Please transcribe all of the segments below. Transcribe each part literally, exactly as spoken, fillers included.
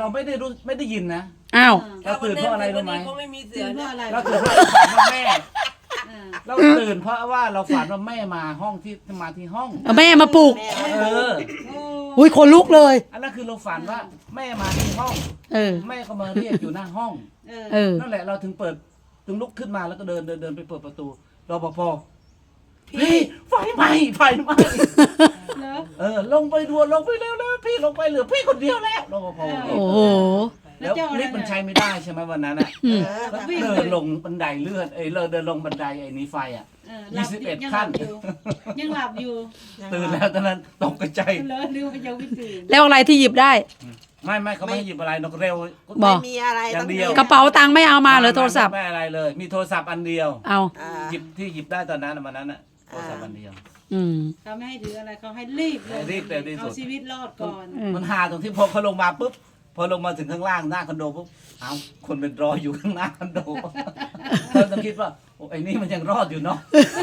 เราไม่ได้รู้ไม่ได้ยินนะอ้าวเราตื่นเพราะอะไรรู้ไหมคงไม่มีเสืตื่อนเพราะอะไรเราตื่นเพราะเราฝันว่าแม่อ่าเราตื่นเพราะว่าเราฝันว่าแม่มาห้องที่มาที่ห้องเอาแม่มาปลุกเอออุ้ยคนลุกเลยอันนั้นคือเราฝันว่าแม่มาที่ห้องเออแม่ก็มาเรียกอยู่หน้าห้องเออเออนั่นแหละเราถึงเปิดถึงลุกขึ้นมาแล้วก็เดินเดินเดินไปเปิดประตูรปภพี่ไฟไหม้ไฟไหม้เหรอเออลงไปด่วนลงไปเร็วเลยพี่ลงไปเหลือพี่คนเดียวแล้วรปภโอ้โหแล้วลิฟต์มันใช้ไม่ได้ใช่ไหมวันนั้นอ่ะอืมก็เดินลงบันไดเลื่อนเอ้ยเราเดินลงบันไดไอ้นี้ไฟอ่ะเออหลับยี่สิบเอ็ดยังหลับขั้นอยู่ยังหลับอยู่ตื่นแล้วตอนนั้นตกใจเหรอหรือว่ายังไม่ตื่นแล้วอะไรที่หยิบได้ไม่ไม่เขาไม่ให้หยิบอะไรนกเร็วบอไม่กมีอะไรอย่างเดียวกระเป๋าตังค์ไม่เอามาเหรอโทรศัพท์ไม่อะไรเลย มีโทรศัพท์อันเดียวเอาอ่าหยิบที่หยิบได้ตอนนั้นน่ะวันนั้นอ่ะโทรศัพท์อันเดียวอืมเขาไม่ให้ถืออะไรเขาให้รีบเลยให้รีบเร็วที่สุดเอาชีวิตรอดก่อนอืมมันหาตรงที่พอเขาลงมาปุ๊บพอลงมาถึงข้างล่างหน้าคอนโดปุ๊บเอ้าคนเป็นรออยู่ข้างหน้าคอนโดเราต้องคิดว่าโอ้ไอ้นี่มันยังรอดอยู่เนาะ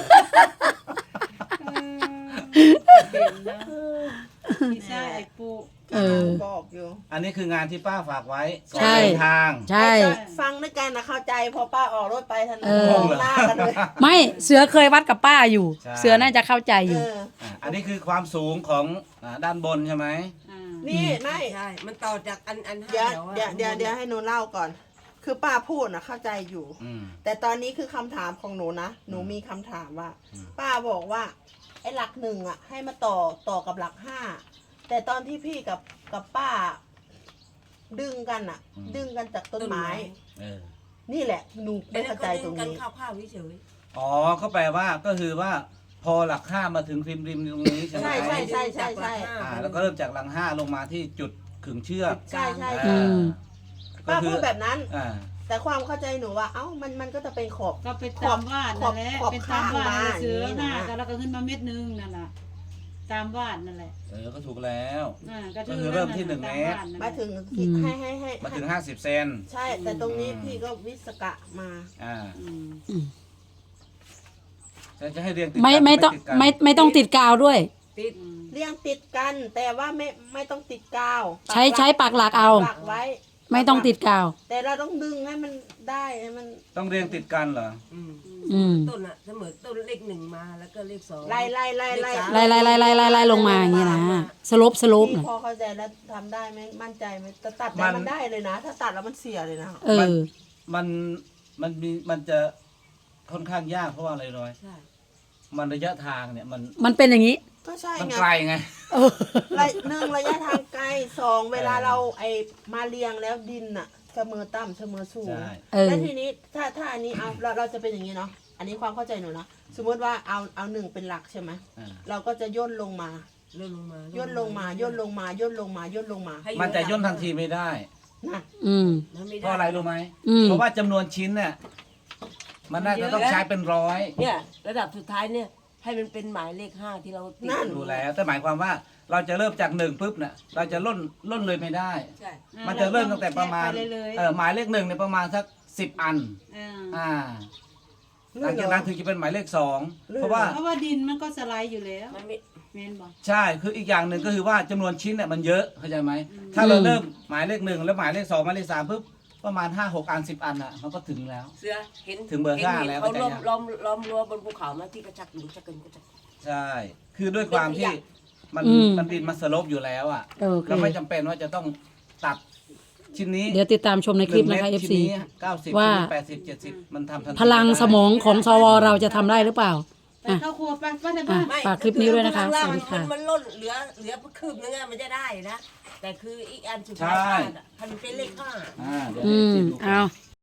เด่นนะพี่ชายไอ้ปูเออบอกอยู่อันนี้คืองานที่ป้าฝากไว้ก่อนใช่เดินทางใช่ฟังด้วยกันนะเข้าใจพอป้าออกรถไปทันเออมองหน้ากันเลยไม่เสือเคยวัดกับป้าอยู่ใช่เสือน่าจะเข้าใจอยู่เอออ่ะอันนี้คือความสูงของอ่าด้านบนใช่ไหมอ่านี่ไม่ใช่ มันต่อจากอันอันห้าเดี๋ยวแถวอะเดี๋ยวเดี๋ยวเดี๋ยวให้หนูเล่าก่อน คือป้าพูดนะเข้าใจอยู่อืมแต่ตอนนี้คือคำถามของหนูนะ หนูมีคำถามว่าอืมป้าบอกว่า ไอ้หลักหนึ่งอ่ะ ให้มาต่อต่อกับหลักห้า แต่ตอนที่พี่กับกับป้า ดึงกันอ่ะ ดึงกันจากต้นไม้เออนี่แหละ หนูไอ้ไม่นั่เข้าน ใจก็ตรงกันนี้ข้าวๆเฉยอ๋อก็แปลว่าก็คือว่าพอหลักห้ามาถึงริมริมตรงนี้ใช่ไหมใช่ใช่ใช่ใช่ใช่อ่าแล้วก็เริ่มจากหลังห้าลงมาที่จุดขึงเชือกใช่ใช่อือ่าม ก็ป้าคืพูอดแบบนั้นอ่าแต่ความเข้าใจหนูว่า เอ้า มันมันก็จะเป็นขอบก็ไปตามวาดนั่นแหละขอบเป็นตามวาดข้างมาเสือหน้าอย่างนี้นะก็แล้วก็ขึ้นมาเม็ดนึงนั่นแหละตามวาดนั่นแหละเออก็ถูกแล้วอ่าก็คือเริ่มที่หนึ่งเมตรตาวาดนั่นแหมาละถึงอืมให้ให้ให้มาถึงห้าสิบเซนใช่ แต่ตรงนี้พี่ก็วิศกะมาอ่าอืมอืมจะจะให้เรียงติดไม่กันไม่ต้องติดกันไม่ไม่ต้องติดกาวด้วยๆ ติดอืมเรียงติดกัน แต่ว่าไม่ไม่ต้องติดกาวใช้ใช้ปากหลักเอาปักไว้ไม่ต้องติดกาวแต่เราต้องดึงให้มันได้ให้มันต้องเรียงติดกันเหรออืมอืมต้นอะเสมอต้นเลขหนึ่งมาแล้วก็เลขสองไล่ไล่ไล่ไล่ไล่ไล่ไล่ไล่ไล่ไล่ลงมาอย่างนี้นะสลบสลบพี่น่ะพอเข้าใจแล้วทำได้ไหมมั่นใจไหมแต่ตัดมัได้นมันได้เลยนะ ถ้าตัดแล้วมันเสียเลยนะเออมันมันมีมันจะค่อนข้างยากเพราะว่าอะไรร้อยใช่มันระยะทางเนี่ยมันมันเป็นอย่างนี้ก็ใช่มันไงไกลไงเออระหนึ่งระยะทางไกลสองเวลาเราไอมาเรียงแล้วดินอะเสมอต่ำเสมอสูงใช่เออแล้วทีนี้ถ้าถ้าอันนี้เอาเราเราจะเป็นอย่างนี้เนาะอันนี้ความเข้าใจหนูนะสมมติว่าเอาเอาหนึ่งเป็นหลักใช่ไหมอ่าเราก็จะย่นลงมาเลื่อนลงมาย่นลงมาย่นลงมาย่นลงมาย่นลงมาให้มันจะย่นทันทีไม่ได้นะอืมมันม่ด้เพราะอะไรรู้ไหมอืมเพราะว่าจำนวนชิ้นเนี่ยมันน่าจะต้องใช้เป็นร้อยเนี่ยระดับสุดท้ายเนี่ยให้มันเป็นหมายเลขห้าที่เราติดดูแล้วแต่หมายความว่าเราจะเริ่มจากหนึ่งปุ๊บเนี่ยเราจะล่นล่นเลยไม่ได้ใช่อ่ามันจะเริ่มตั้งแต่ประมาณแยกไปเลยเออหมายเลขหนึ่งเนี่ยประมาณสักสิบอันๆอ่าอ่าหลังจากนั้นถึงจะเป็นหมายเลขสองเพราะว่าเพราะว่าดินมันก็สไลด์อยู่แล้วมันไม่แม่นบอกใช่คืออีกอย่างหนึ่งก็คือว่าจำนวนชิ้นเนี่ยมันเยอะเข้าใจไหมถ้าเราเริ่มหมายเลขหนึ่งแล้วหมายเลขสองหมายเลขสามปุ๊บประมาณห้าหกอันสิบอันอ่ะมันก็ถึงแล้วเสือเห็นถึงเบอร์ห็นห้าห็นแล้วเขาก็จะล้อมยังล้อมล้อมรั้วบนภูเขามาที่กระชักหรือชักเกินกระชักใช่ คือด้วยความที่มันอืมมันดินมันสลบอยู่แล้วอ่ะโอเคเราไม่จำเป็นว่าจะต้องตัดชิ้นนี้เดี๋ยวติดตามชมในคลิปนะคะหเอนึ่งฟเมตรซีชิ้นนี้เก้าสิบว่าแปดสิบเจ็ดสิบมันทำทันทีพลังสมองของสวเราจะทำได้หรือเปล่าไปเข้าครัวไปป้าในบ้านอ่ะ ฝากคลิปนี้ด้วยนะคะข้างล่างสวัสดีค่ะมันมันล่นเหลือเหลือคืบนึงอะมันจะได้นะ แต่คืออีกอันสุดท้ายใช่อะมันเป็นเลขห้าอ่าเดี๋ยวอืให้มดูก่นเอา